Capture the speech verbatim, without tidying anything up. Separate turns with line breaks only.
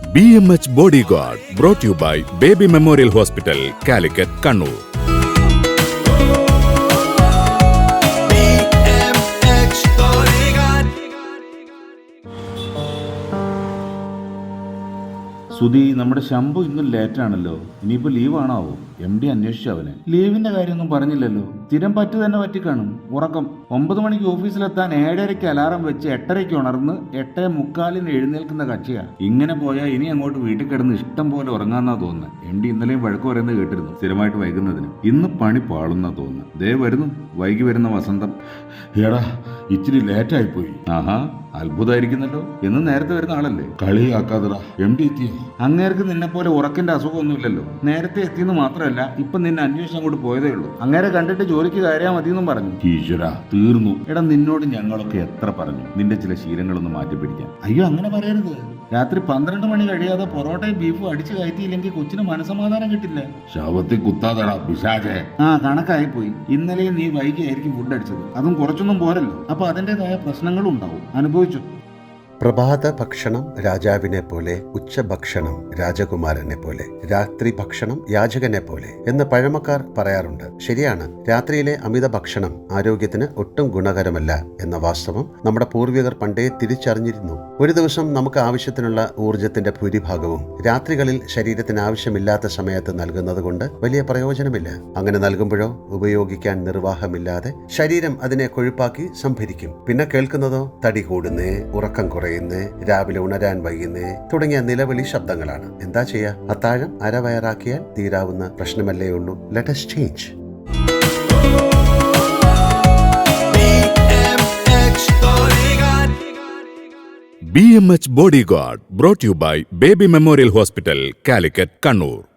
B M H body guard brought you by baby memorial hospital, Calicut, Kannur.
Sudhi, നമ്മുടെ ശംഭു ഇന്നും ലേറ്റാണല്ലോ. ഇനിയിപ്പോ ലീവാണാവോ? M D അന്വേഷിച്ചു അവനെ. ലീവിന്റെ കാര്യമൊന്നും പറഞ്ഞില്ലല്ലോ. സ്ഥിരം പറ്റു തന്നെ പറ്റിക്കാണും. ഉറക്കം. ഒമ്പത് മണിക്ക് ഓഫീസിലെത്താൻ ഏഴരയ്ക്ക് അലാറം വെച്ച് എട്ടരയ്ക്ക് ഉണർന്ന് എട്ടേ മുക്കാലിന് എഴുന്നേൽക്കുന്ന കക്ഷിയാ. ഇങ്ങനെ പോയാൽ ഇനി അങ്ങോട്ട് വീട്ടിൽ കിടന്ന് ഇഷ്ടം പോലെ ഉറങ്ങാന്നാ തോന്നുന്നത്. എം ഡി ഇന്നലെയും വഴക്ക് പറയുന്നത് കേട്ടിരുന്നു, സ്ഥിരമായിട്ട് വൈകുന്നതിന്. ഇന്ന് പണി പാളുന്നാ തോന്നുന്നത്. ദേ വരുന്നു വൈകി വരുന്ന വസന്തം. എടാ, ഇച്ചിരി ലേറ്റായിപ്പോയി. ആഹാ, അത്ഭുതമായിരിക്കുന്നല്ലോ. എന്ന് നേരത്തെ വരുന്ന ആളല്ലേ? കളിയാക്കാതെടാ. എം ഡി എത്തിയോ? അങ്ങേർക്ക് നിന്നെ പോലെ ഉറക്കിന്റെ അസുഖമൊന്നുമില്ലല്ലോ. നേരത്തെ എത്തിയെന്ന് മാത്രമല്ല, ഇപ്പൊ നിന്നെ അന്വേഷിച്ച് അങ്ങോട്ട് പോയതേ ഉള്ളൂ. അങ്ങേരെ കണ്ടിട്ട് ജോലിക്ക് കയറിയാൽ മതിയെന്നും പറഞ്ഞു. ഈശ്വര, തീർന്നു. എടാ, നിന്നോട് ഞങ്ങളൊക്കെ എത്ര പറഞ്ഞു നിന്റെ ചില ശീലങ്ങളൊന്ന് മാറ്റി പിടിക്കാൻ. അയ്യോ, അങ്ങനെ പറയരുത്. രാത്രി പന്ത്രണ്ട് മണി കഴിയാതെ പൊറോട്ടയും ബീഫും അടിച്ചു കയറ്റിയില്ലെങ്കിൽ കൊച്ചിന് മനസമാധാനം കിട്ടില്ല. ശവത്തിൽ കുത്താതടാ പിശാചേ. ആ, കണക്കായി പോയി. ഇന്നലെയും നീ വൈകിയായിരിക്കും ഫുഡ് അടിച്ചത്. അതും കുറച്ചൊന്നും പോരല്ലോ. അപ്പൊ അതിൻ്റെതായ പ്രശ്നങ്ങളും ഉണ്ടാവും. അനുഭവിച്ചു.
പ്രഭാത ഭക്ഷണം രാജാവിനെ പോലെ, ഉച്ചഭക്ഷണം രാജകുമാരനെ പോലെ, രാത്രി ഭക്ഷണം യാചകനെ പോലെ എന്ന് പഴമക്കാർ പറയാറുണ്ട്. ശരിയാണ്. രാത്രിയിലെ അമിത ഭക്ഷണം ആരോഗ്യത്തിന് ഒട്ടും ഗുണകരമല്ല എന്ന വാസ്തവം നമ്മുടെ പൂർവികർ പണ്ടേ തിരിച്ചറിഞ്ഞിരുന്നു. ഒരു ദിവസം നമുക്ക് ആവശ്യത്തിനുള്ള ഊർജത്തിന്റെ ഭൂരിഭാഗവും രാത്രികളിൽ ശരീരത്തിന് ആവശ്യമില്ലാത്ത സമയത്ത് നൽകുന്നത് കൊണ്ട് വലിയ പ്രയോജനമില്ല. അങ്ങനെ നൽകുമ്പോഴോ ഉപയോഗിക്കാൻ നിർവാഹമില്ലാതെ ശരീരം അതിനെ കൊഴുപ്പാക്കി സംഭരിക്കും. പിന്നെ കേൾക്കുന്നതോ തടി കൂടുന്നേ, ഉറക്കം കുറയുന്നേ, രാവിലെ ഉണരാൻ വൈകുന്നേ തുടങ്ങിയ നിലവിളി ശബ്ദങ്ങളാണ്. എന്താ ചെയ്യാ? അത്താഴം അരവയറാക്കിയാൽ തീരാവുന്ന പ്രശ്നമല്ലേ ഉള്ളൂ. Let us change.
B M H body guard brought you by baby memorial hospital, Calicut, Kannur.